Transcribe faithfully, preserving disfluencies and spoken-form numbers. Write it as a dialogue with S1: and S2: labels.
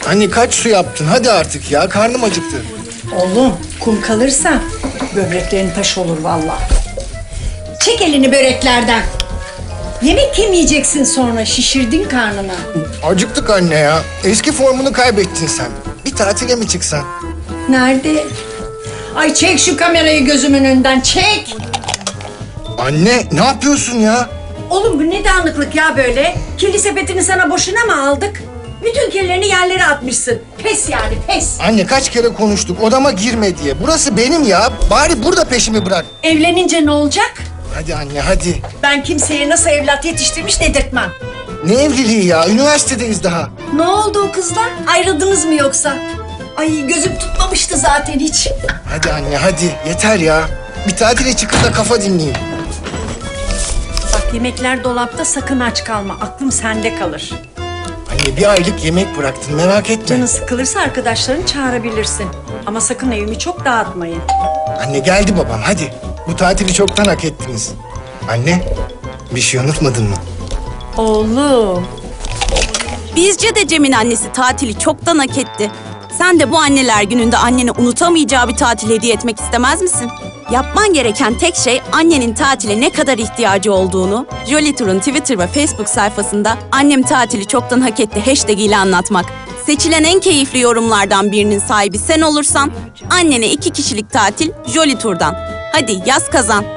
S1: Anne kaç su yaptın? Hadi artık ya. Karnım acıktı.
S2: Oğlum kum kalırsa böbreklerin taş olur vallahi. Çek elini böreklerden. Yemek yemeyeceksin sonra, şişirdin karnını.
S1: Acıktık anne ya. Eski formunu kaybettin sen. Bir tatile mi çıksan?
S2: Nerede? Ay çek şu kamerayı gözümün önünden, çek.
S1: Anne ne yapıyorsun ya?
S2: Oğlum bu ne dağınıklık ya böyle? Kirli sepetini sana boşuna mı aldık? Bütün kirlerini yerlere atmışsın. Pes yani, pes.
S1: Anne kaç kere konuştuk odama girme diye. Burası benim ya. Bari burada peşimi bırak.
S2: Evlenince ne olacak?
S1: Hadi anne hadi.
S2: Ben kimseye nasıl evlat yetiştirmiş dedirtmem.
S1: Ne evliliği ya? Üniversitedeyiz daha.
S2: Ne oldu o kızlar? Ayrıldınız mı yoksa? Ay gözüm tutmamıştı zaten hiç.
S1: Hadi anne hadi. Yeter ya. Bir tatile çıkıp da kafa dinleyeyim.
S2: Bak yemekler dolapta, sakın aç kalma. Aklım sende kalır.
S1: Anne bir aylık yemek bıraktın merak etme.
S2: Canın sıkılırsa arkadaşlarını çağırabilirsin. Ama sakın evimi çok dağıtmayın.
S1: Anne geldi babam hadi. Bu tatili çoktan hak ettiniz. Anne bir şey unutmadın mı?
S2: Oğlum.
S3: Bizce de Cem'in annesi tatili çoktan hak etti. Sen de bu anneler gününde annene unutamayacağı bir tatil hediye etmek istemez misin? Yapman gereken tek şey annenin tatile ne kadar ihtiyacı olduğunu Jolly Tour'un Twitter ve Facebook sayfasında "Annem tatili çoktan hak etti" hashtag ile anlatmak. Seçilen en keyifli yorumlardan birinin sahibi sen olursan annene iki kişilik tatil Jolly Tour'dan. Hadi yaz kazan.